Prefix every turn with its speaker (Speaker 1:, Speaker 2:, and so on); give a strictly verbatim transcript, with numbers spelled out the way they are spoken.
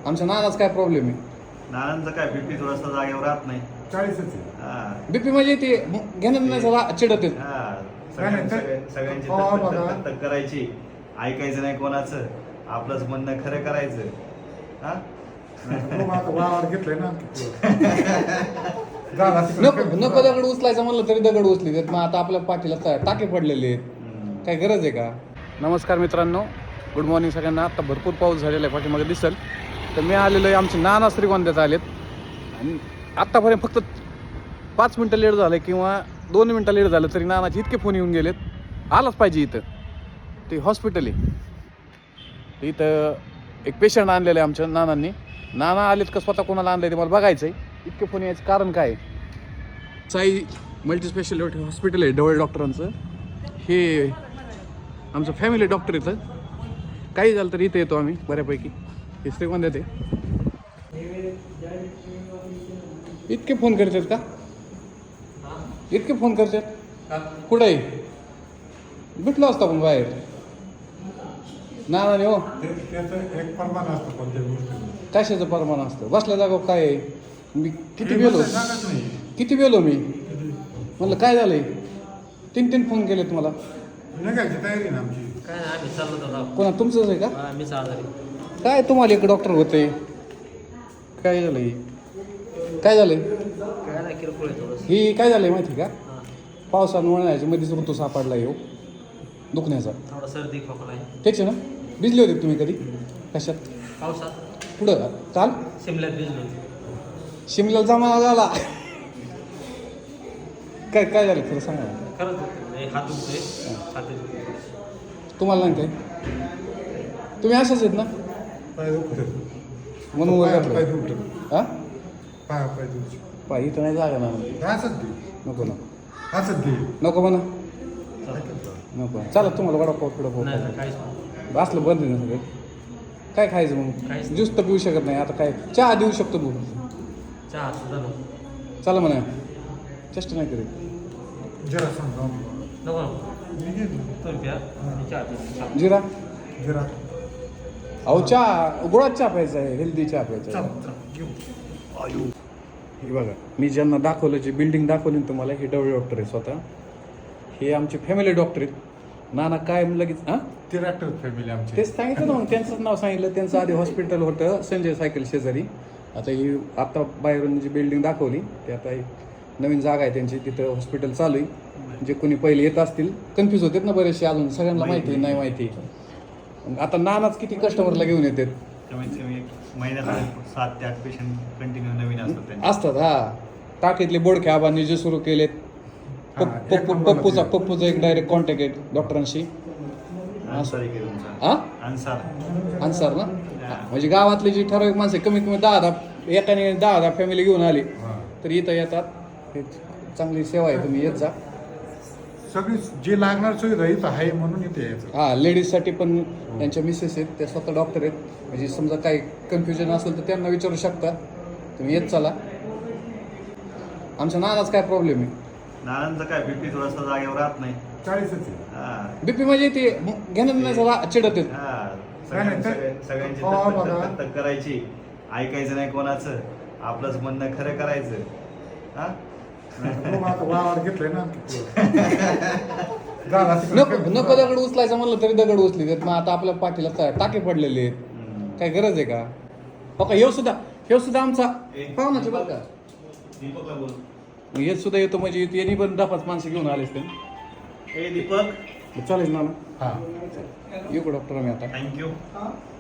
Speaker 1: आमच्या नानाच काय प्रॉब्लेम आहे?
Speaker 2: नानांचं काय बीपी थोडासा जागेवर राहत नाही.
Speaker 3: चाळीसच
Speaker 1: बीपी म्हणजे ते घेणं नाही चिडत आहेत.
Speaker 2: सगळ्यांची तक तक करायची, ऐकायचं नाही कोणाचं, आपलंच म्हणणं खरं करायचं. हा
Speaker 3: वावर घेतलंय ना.
Speaker 1: नको नको दगड उचलायचं म्हणलं तरी दगड उचली देत. मग आता आपल्या पाठीला टाके पडलेले आहेत, काय गरज आहे का? नमस्कार मित्रांनो, गुड मॉर्निंग सगळ्यांना. आता भरपूर पाऊस झालेला आहे, पाठीमागे दिसेल. तर मी आलेलो आहे, आमचे नाना श्रीगोंद्यात आलेत आणि आत्तापर्यंत फक्त पाच मिनटं लेट झालं किंवा दोन मिनटं लेट झालं तरी नानाचे इतके फोन येऊन गेलेत. आलाच पाहिजे इथं, ते हॉस्पिटल आहे. इथं एक पेशंट आणलेलं आहे आमच्या नानांनी. नाना आलेत का स्वतः कोणाला आणलं आहे ते मला बघायचं आहे. इतके फोन यायचं कारण काय आहे? साई मल्टीस्पेशालिटी हॉस्पिटल आहे डवळे डॉक्टरांचं. हे आमचं फॅमिली डॉक्टर इथं. काही झालं तर इथं येतो आम्ही बऱ्यापैकी. हे श्रीगोंद्यात आहे. इतके फोन करतात का? इतके फोन करतात? कुठं आहे? भेटलो असतो आपण बाहेर. नानाने हो
Speaker 3: एक प्रमाण असतं कोणत्या गोष्टी.
Speaker 1: कशाचं प्रमाण असतं? बसल्या जागो काय आहे? मी किती गेलो किती गेलो मी म्हणलं काय झालंय? तीन तीन फोन केले तुम्हाला.
Speaker 3: निघायची तयारी ना आमची.
Speaker 4: काय नाही, आम्ही चाललो होतो.
Speaker 1: कोणा तुमचंच आहे का?
Speaker 4: मी आजारी.
Speaker 1: काय तुम्हाला एक डॉक्टर होते? काय झालंय? काय झालंय?
Speaker 4: काय नाही, किरकोळ आहे थोडंसं.
Speaker 1: ही काय झालंय माहिती का? पावसानं उन्हाळ्याच्या मध्येच ऋतू सापडला येऊ दुखण्याचा.
Speaker 4: थोडा सर्दी खोकला आहे.
Speaker 1: त्याचे ना भिजले होते तुम्ही कधी? कशात?
Speaker 4: पावसात
Speaker 1: पुढं काल
Speaker 4: शिमल्यात भिजलो.
Speaker 1: शिमल्याला जमा झाला. काय काय झालं खरं सांगा.
Speaker 4: खरंच हे हात दुखतोय, हात दुखतोय.
Speaker 1: तुम्हाला नाही काय? तुम्ही असेच आहेत ना
Speaker 3: पाय दुखतात
Speaker 1: म्हणून
Speaker 3: पाय
Speaker 1: वगैरे
Speaker 3: दुखतात.
Speaker 1: हा
Speaker 3: पाय पाय दुखतात.
Speaker 1: पाय इथं नाही जागा ना.
Speaker 3: असंच दे
Speaker 1: नको ना
Speaker 3: असंच दे.
Speaker 1: नको म्हणा नको. चला तुम्हाला वडापाव पिढा
Speaker 4: नाही नाही, काहीच नाही.
Speaker 1: असलं बंद आहे ना सगळं. काय खायचं मग?
Speaker 4: काहीच नाही.
Speaker 1: ज्यूस तर पिऊ शकत नाही. आता काय चहा देऊ शकतो भाऊ.
Speaker 4: चहा सुद्धा नको.
Speaker 1: चला म्हणा चेष्टा नाही करीत.
Speaker 3: जरा सांगा
Speaker 4: नको नको. तुम्ही प्या, मी चहा पितो. चहा.
Speaker 1: जिरा
Speaker 3: जरा
Speaker 1: अहो चहा गोळात चहा प्यायचा आहे, हेल्दी चहा प्यायचा
Speaker 3: चल
Speaker 1: आहे.
Speaker 3: चल घेऊ.
Speaker 1: हे बघा मी ज्यांना दाखवलं, जे बिल्डिंग दाखवली ना तुम्हाला, हे डवळे डॉक्टर आहे स्वतः. हे आमचे फॅमिली डॉक्टर आहेत. नाना काय लगेच हां
Speaker 3: ते डॉक्टर फॅमिली आमची.
Speaker 1: तेच सांगितलं ना मग, त्यांचंच नाव सांगितलं. त्यांचं आधी हॉस्पिटल होतं संजय सायकल शेजारी. आता ही आता बाहेरून जी बिल्डिंग दाखवली ते आता एक नवीन जागा आहे त्यांची, तिथं हॉस्पिटल चालू आहे. जे कोणी पहिले येत असतील कन्फ्यूज होतात ना बरेचसे, अजून सगळ्यांना माहिती नाही माहिती. आता नानाच किती कस्टमरला घेऊन येतात.
Speaker 2: कमीत कमी एक महिन्यात सात ते आठ पेशंट कंटिन्यू नवीन असतात त्यांचे.
Speaker 1: असतात हा. टाकीतले बोडखे आबांनी जे सुरू केलेत. पप्पू पप्पू पप्पूचा पप्पूचा एक डायरेक्ट कॉन्टॅक्ट आहे डॉक्टरांशी.
Speaker 2: अन्सार आहे की तुमचा?
Speaker 1: हा
Speaker 2: अन्सार.
Speaker 1: अन्सार ना. म्हणजे गावातली जी ठराविक माणसं कमीत कमी दहा दहा एकाने दहा दहा फॅमिली घेऊन आली तर इथं येतात. हे चांगली सेवा आहे, तुम्ही येत जा.
Speaker 3: सगळी जे लागणार सुविधा इथं आहे म्हणून इथे यायचं.
Speaker 1: हां लेडीजसाठी पण त्यांच्या मिसेस आहेत, त्या स्वतः डॉक्टर आहेत. म्हणजे समजा काही कन्फ्युजन असेल तर त्यांना विचारू शकता. तुम्ही येत चला. आमच्या नानाच काय प्रॉब्लेम आहे?
Speaker 2: नानांचं काय बीपी थोडासा जागेवर राहत नाही.
Speaker 3: चाळीसच आहे.
Speaker 2: हा
Speaker 1: बीपी म्हणजे ते घेणं नाही झाला चिडत आहेत.
Speaker 2: हा
Speaker 3: नाही, तर-
Speaker 2: सगळ्यांची सगळ्यांची
Speaker 3: हो,
Speaker 2: तक
Speaker 3: बघा.
Speaker 2: तक तक करायची, ऐकायचं नाही कोणाचं, आपलंच म्हणणं खरं करायचं. हा
Speaker 3: वावर घेतलंय ना.
Speaker 1: नको नको दगड उचलायचं म्हणलं तरी दगड उचली देत. मग आता आपल्या पाठीला टाके पडलेले आहेत, काय गरज आहे का? हो का? हे सुद्धा हे सुद्धा आमचा पाहुणाचे बरं का.
Speaker 2: दीपकला बोल.
Speaker 1: हे सुद्धा येतो म्हणजे यांनी पण दहा पाच माणसं घेऊन आलेच ते.
Speaker 2: ए दीपक,
Speaker 1: चालेल ना.
Speaker 3: हा
Speaker 1: येऊ डॉक्टर आम्ही आता.
Speaker 2: थँक्यू.